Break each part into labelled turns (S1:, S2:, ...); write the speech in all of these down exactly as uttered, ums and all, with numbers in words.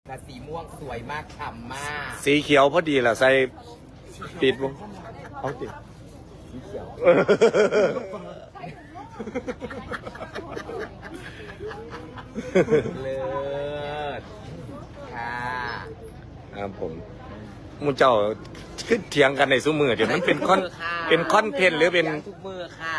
S1: แต่สีม่วงสวยมากฉ่ำมาก
S2: สีเขียวพอดีแหละใส่ปิดวงเอาติด
S1: สีเขียวเลิศค่ะ
S2: ครับผมมูเจ้าขึ้นเถียงกันในซุ้มมือเดี๋ยวมันเป็นคอนเป็นคอนเทนต์หรือเป็น
S1: ทุกมือค่ะ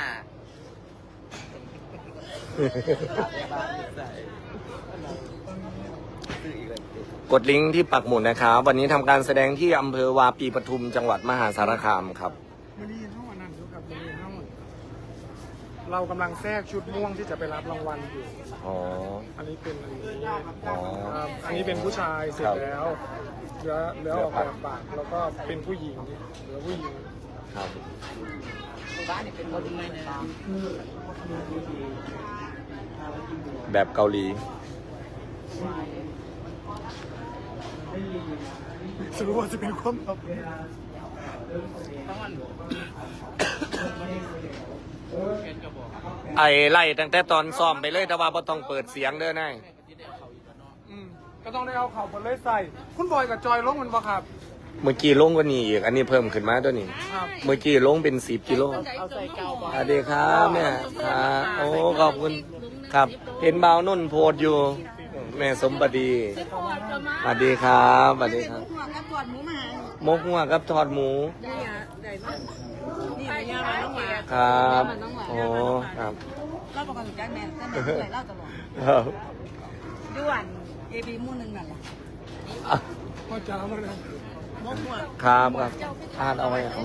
S2: กดลิงก์ที่ปักหมุดนะครับวันนี้ทำการแสดงที่อำเภอวาปีปทุมจังหวัดมหาสารคามครับ
S3: วันนี้ห้องอันนั้นครับวันนี้ห้องเรากำลังแทรกชุดม่วงที่จะไปรับรางวัลอยู่
S2: อ๋อ
S3: อันนี้เป็นอันนี้
S2: อ๋อ
S3: อันนี้เป็นผู้ชายเสร็จแล้วเหลือเหลือออกแบบปากแล้วก็เป็นผู้หญิงเหลือผู้หญิง
S2: ครับ
S1: บ้านนี่เป็นคนดีนะ
S2: แบบเกาหลี
S3: สรุปว่าจะเป็นความลับ
S2: ไอ้ไล่ตั้งแต่ตอนซ้อมไปเลยแต่ว่าบ่ต้องเปิดเสียงเด้อนาย
S3: ก็ต้องได้เอาเข่าบนเลยใส่คุณบอยกับจอยลงมันปะครับ
S2: เมื่อกี้ลงกว่านี้อีกอันนี้เพิ่มขึ้นมาตัวนี้เมื่อกี้ลงเป็นสิบกิโลสวัสดีครับแม่ครับโอ้ขอบคุณครับเห็นบ่าวนุ่นโพดอยู่แม่สมบัติสวัสดีครับสวัสดีครับมกหัวกับทอดหมูครับโอ้ครับ
S4: เล่าประกันจากแม่แต่แม่เคยเล่าตลอด
S2: ครับ
S4: ด้วนเอบีมู่หนึ่งนั่นแหละ
S3: พ่อจ้ามาเลย
S4: มกหัว
S2: ครับครับอ่านเอาไว้ของ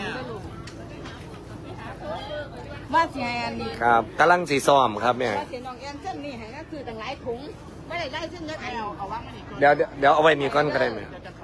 S4: ว่าเสียน
S2: ครับกำลังสีซ้อมครับเนี่ย
S4: ว่าเสียน้องแอนเส้นนี่ให้ก็คือต่างหลายถุงไม่ได้ได้เส้นเล็กเอาเอาวางนี่
S2: เดี๋ยวเดี๋ยวเอาไว้นี่ก้อนก็ได้ไหม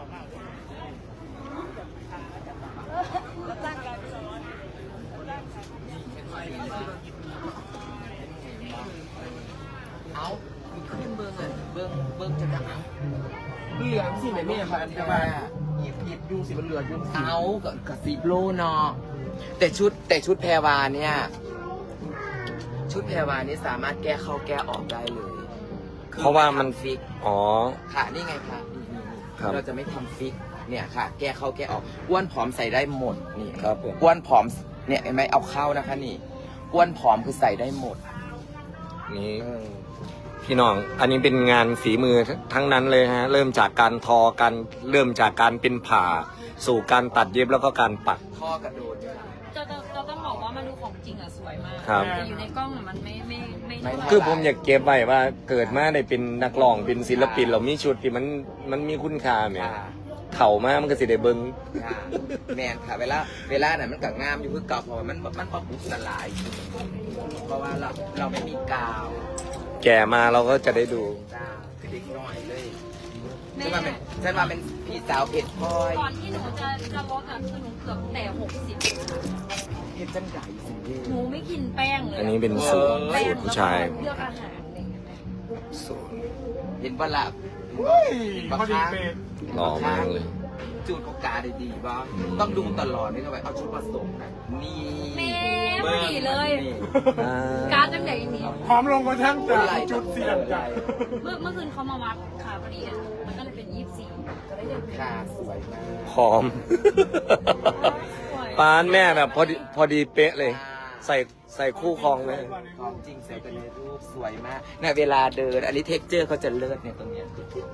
S1: เอาขึ้นเบิ้งอ่ะเบิ้งเบิ้งจะดังเหลืองสิแม่แม่พันธุ์ว่าหยิบหยิบยูสิมันเหลือยูเอากับสีโลเนาะแต่ชุดแต่ชุดแพรวาเนี่ยชุดแพรวานี่สามารถแก้เข้าแก้ออกได้เลย
S2: เพราะว่ามัน
S1: ฟิก
S2: อ๋อ
S1: ค่ะนี่ไงค่ะเราจะไม่ทำฟิกเนี่ยค่ะแก้เข้าแก้ออกอ้วนผอมใส่ได้หมดนี่
S2: ครับ
S1: อ้วนผอมเนี่ยเห็นไหมเอาเข้านะคะนี่อ้วนผอมคือใส่ได้หมด
S2: นี่พี่น้องอันนี้เป็นงานฝีมือทั้งนั้นเลยฮะเริ่มจากการทอการเริ่มจากการเป็นผ่าสู่การตัดเย็บแล้วก็การปัก
S1: ท่อกระโดด
S4: จะจะต้องบอกว่ามันดูของจริงอ่ะสวยมาก
S2: แต่
S4: อยู่ในกล้องมันไม่ไม่ไม่
S2: คือผมอยากเก็บไว้ว่าเกิดมาได้เป็นนักร้องเป็นศิลปินเรามีชุดที่มันมันมีคุณค่าเนี่ยเข่ามากมันก็สิได้เบิ้ง
S1: แมนค่ะเวลาเวลาเนี่ยมันก็งามอยู่คือเก่าเพราะมันมันพอบุกละลายเพราะว่าเราเราไม่มีกาว
S2: แก่มาเราก็จะได้ดู
S1: เด็กน้อยเลยฉันมาเป็นฉันมาเป็นพี่สาวเผ็ดพลอย
S4: ก่อนที่หนูจะจะลดอ่ะคือหนูเกือบแต่หกสิบ
S1: เผ็ดจังใหญ่สิ
S4: หนูไม่กินแป้งเลย
S2: อันนี้เป็นสูตรสูตรผู้ชาย
S4: เลือกอาหารอะไรอย่างเงี้ย
S2: สูตร
S1: เห็นปะล่ะ
S3: พอดีเป๊ะ
S2: หล่อมากเลย
S1: จูดของกาได้ดีบ้างต้องดูตลอดไม่ต้องไปเอาชุดผสมนี่
S4: แม่พอดีเลยการจังไหนนี่
S3: พร้อมลงกระทั่งแต่จุดเสี่ยงใหญ่
S4: เมื่อเมื่อคืนเขามาวัดค่ะพอดีมันก็เลยเป็นยี่สิบสี่ก็ได้เดิน
S1: ค่ะสวยมาก
S2: พร้อมปานแม่แบบพอดีพอดีเป๊ะเลยใส่ใส่คู่ครองเลย
S1: ของจริงใส่กันในรูปสวยมากเนี่ยเวลาเดินอันนี้เท็กเจอร์เขาจะเลิศเนี่ยตรงเนี้ย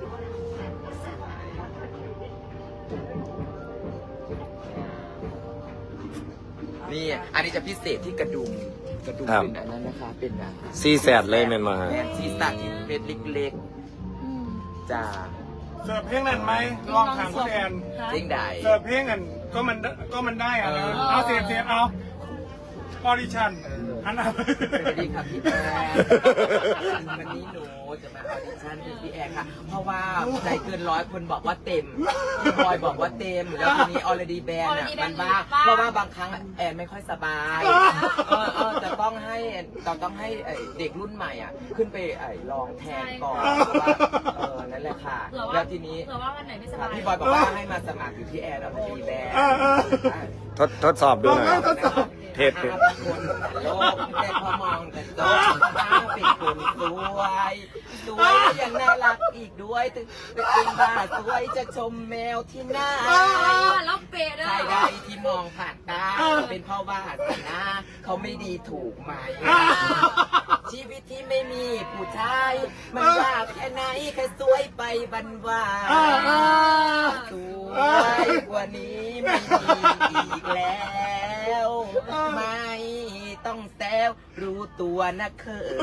S1: นี่อันนี้จะพิเศษที่กระดุมกระดุมเป็นอันนั้นนะคะเป็นแบบ
S2: ซีแซดเลยแม่มา
S1: ซีสัตที่เป็นเล็กๆจ้า
S3: เสิร์ฟเพลงนั้นไหมลองถามคุณแอน
S1: เพลงใด
S3: เสิร์ฟเพลงนั้นก็มันก็มันได้อะนะเอาเสียบเสียบเอาออดิชั่นอันนั้น
S1: สวัสดีครับพี่แอนวันนี้หนูจะมาออดิชั่นเป็นพี่แอนค่ะเพราะว่าใจเกินร้อยคนบอกว่าเต็มพี่บอยบอกว่าเต็มแล้วทีนี้ออลดีแบนอ่ะมันบ้าเพราะว่าบางครั้งแอนไม่ค่อยสบายเออเออจะต้องให้เราต้องให้เด็กรุ่นใหม่อ่ะขึ้นไปลองแทนก่อนเออนั่นแหละค่ะแล้วทีนี้พี่บอยบอกว่าให้มาสมัครอยู่ที่แอนออลดีแบน
S2: ทดทดสอบดูหน่อยเทป
S1: คนโลกแต่พอมองแต่โตเป็นเป็นคนสวยสวยและยังน่ารักอีกด้วยถึงเป็นบ้าสวยจะชมแมวที่หน้า
S4: แล้วเปรต
S1: ใครใดที่มองผ่านตาเป็นเพราะว่าสนาเขาไม่ดีถูกไหมชีวิตที่ไม่มีผู้ชายมันยากแค่ไหนแค่สวยไปบันว่าสวยกว่านี้ไม่มีอีกแล้วไม่ต้องแซวรู้ตัวนะเคย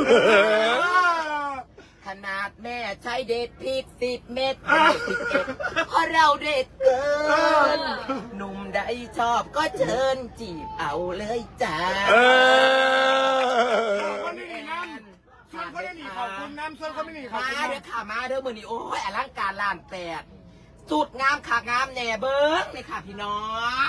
S1: ขนาดแม่ใช้เด็ดพริกสิบเม็ดสิบเอ็ดเพราะเราเด็ดเกินหนุ่มใดชอบก็เชิญจีบเอาเลยจ้า
S2: เออ
S3: คนไม่หนีน้ำส่วนคนไม่หนีขอบคุณน้ำส่วนคนไม่หนีขอบ
S1: มา
S3: คุณ
S1: เด้อค่ะมาเด้อมือนี้โอ้ยอลังการล้านแปดสุดงามขางามแหน่เบิ้งเลยค่ะพี่น้อง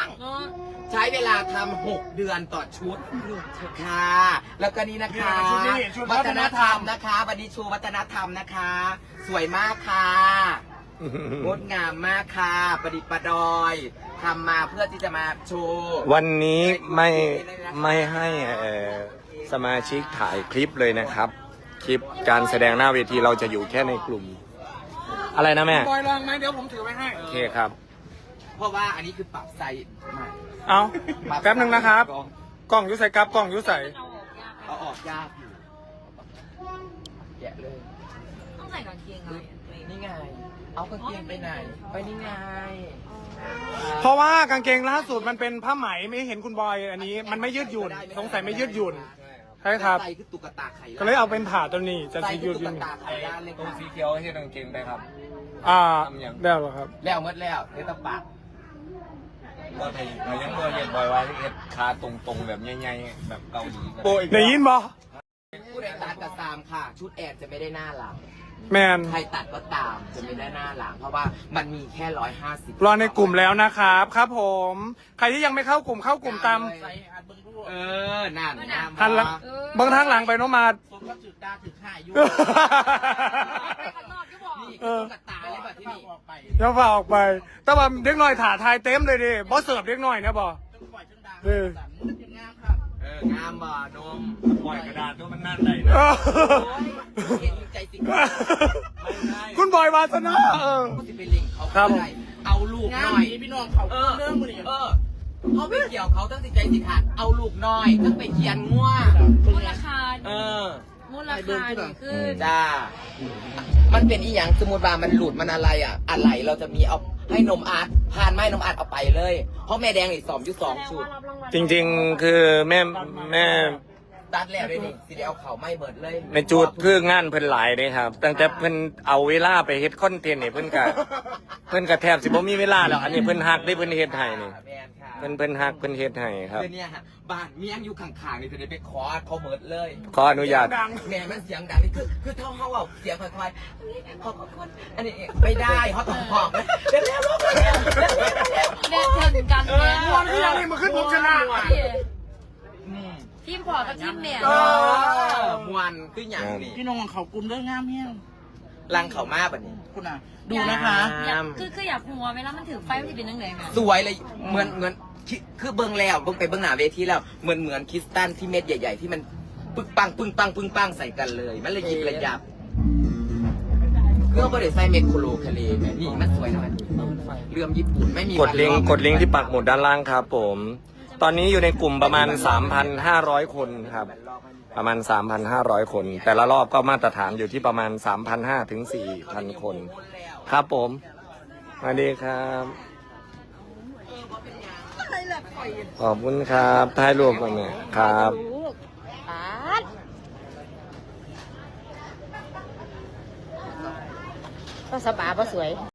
S1: ใช้เวลาทำหกเดือนต่อชุดค่ะ แล้วก็นี่นะคะ วัฒนธรรมนะคะ วันนี้โชว์วัฒนธรรมนะคะ สวยมากค่ะงดงามมากค่ะประดิษฐ์ประดอยทำมาเพื่อที่จะมาโชว์
S2: วันนี้ไม่ไม่ให้เอ่อสมาชิกถ่ายคลิปเลยนะครับ คลิปการแสดงหน้าเวทีเราจะอยู่แค่ในกลุ่ม อะไรนะแม่
S3: บอยลองไหมเดี๋ยวผมถือไว้ให้
S2: โอเคครับ
S1: เพราะว่าอันนี้คือปรับไซส์ใหม่
S3: เอาแป๊บหนึ่งนะครับ กล้องอยุใส่กับกล้องอยุใส่
S1: เอาออกยากอยู่แกะเลย
S4: ต้องใส่กางเกงอะไร
S1: นี่ไง เอากางเกงไปไหน ไปนี่ไง
S3: เพราะว่ากางเกงล่าสุดมันเป็นผ้าไหมไม่เห็นคุณบอยอันนี้ มันไม่ยืดหยุ่นสงสัยไม่ยืดหยุ่นใช่ครับ
S1: ใส่คือตุ๊กตาไข่
S3: ก็เลยเอาเป็นผ่าตัวนี้จะ
S1: ใส่
S3: สี
S1: คื
S3: ยื
S1: อ
S3: ดห
S1: ตุ๊
S3: ยุ่
S1: ก
S3: น
S1: ตาไข่ด้านเลย
S2: ตรง
S1: ค่ะ
S2: สีเขียวให้กางเกงได้ครับ
S3: อ่า
S2: ทำยัง
S3: ได้หรอครับ
S1: แล้วหมดแล้วเดี๋ยวต้องปาก
S2: ก็ไทยเรายังบ่เห็นบ่อยว่าเฮ็ดขาตรงๆแบบใหญ่ๆแบบเกาหลี
S3: โอ้ยได้ยินบ่
S1: ผู้ใดตัดก็ตามค่ะ ชุดแอบจะไม่ได้หน้าหลัง
S3: แมน
S1: ใครตัดก็ตามจะไม่ได้หน้าหลัง เพราะว่ามันมีแค่ร้อยห้าสิบ
S3: รอในกลุ่มแล้วนะครับครับผม ใครที่ยังไม่เข้ากลุ่มเข้ากลุ่มตาม
S1: เออนั่นนะ
S3: หันหลังเบางทางหลังไปโนมา
S1: ผมก็ถึกดาถึกห้ายุ
S4: ไปข้างนอกก็บอก
S1: นี่คือตุ๊กตาเลยแบบที่นี่
S3: เดี๋ยวฝ่าออกไป แต่ว่าเด็กหน่อยถ่าทายเต็มเลยดิบอสเสิร์ฟเด็กหน่อยนะบอเออ
S1: เอองามบ่นม
S2: ปล่อยกระดาษตัวมันนั่นได้
S3: เออ
S1: เห็นใจสิ
S3: คุณบอยวาสนาเออ
S1: ก็จะไปเล่งเขา
S3: ครับ
S1: ได้เอาลูกหน่อยพี่น้องเขาเออเรื่องมือเออเขาไปเกี่ยวเขาตั้งสิใจสิขาดเอาลูกน้อยตั้งไปเขียนง่ว
S4: มูลค่า
S1: เออ
S4: มูลค่านี่คือ
S1: จ้า มันเป็นอีหยังสมมติว่ามันหลุดมันอะไรอ่ะ อะไรเราจะมีเอาให้นมอัดผ่านไม้นมอัดเอาไปเลย เพราะแม่แดงอีกสองยุสองชุด
S2: จริงๆคือแม่แม่
S1: ตัดแล้วด้วยนี่สิได้เอาเขาไม่เบิดเลย
S2: แม่จูดคืองานเพิ่นหลายเด้ครับ ตั้งแต่เพิ่นเอาเวลาไปเฮ็ดคอนเทนต์นี่เพิ่นก็เพิ่นก็แทบสิบ่มีเวลาแล้วอันนี้เพิ่นฮักได้เพิ่นเฮ็ดให้นี่
S1: แมนค่ะ
S2: เพิ่นเพิ่นฮักเพิ่นเฮ็ดให้ครับ
S1: คือเนี่ยฮะบ้านเมียงอยู่ข้างๆนี่จะได้ไปขอเขาเบิดเลย
S2: ขออนุญาต
S1: แม่มันเสียงดังนี่คือคือเท่าเขาเอาเสียงค่อยๆขอบคุณอันนี้ไม่ได้เขาต้องหอกนะเร็วๆเร็วๆเร็วๆเร็วๆ
S4: เด็กถึงกันแน่
S3: ตอนที่ยังนี่มาขึ้นผมชนะ
S4: ทีมพอกับทีมแม่
S1: เออมวนคืออย่างนี้
S5: พี่น้องของเขากลุ่มเรื่องงามเนี่ย
S1: ลังเขามาแบบนี้
S5: คุณอ่ะ ดูนะคะ
S4: อยากคือคืออยากหัวเวลามันถือไฟมันจะเป็นยังไงแม่
S1: สวยเลยเหมือนเหมือนคิคือเบิ้งแล้วเบิ้งไปเบิ้งหน้าเวทีแล้วเหมือนเหมือนคริสตัลที่เม็ดใหญ่ ๆ ที่มันปึ้งปังปึ้งปังปึ้งปังใส่กันเลย มันเลยหยิบระยับเครื่องบริษัทใส่เม็ดโคโลคาเลแม่นี่มันสวยนะมันเรื่องญี่ปุ่นไม่มี
S2: กดลิงก์กดลิงก์ที่ปักหมุดด้านล่างครับผม ตอนนี้อยู่ในกลุ่มประมาณ สามพันห้าร้อย คนครับ ประมาณ สามพันห้าร้อย คน แต่ละรอบก็มาตรฐานอยู่ที่ประมาณ สามพันห้าร้อย ถึง สี่พัน คน ครับผมสวัสดีครับ ขอบคุณครับถ่ายรูปกันเนี่ยครับ
S4: ปาดก็สบายก็สวย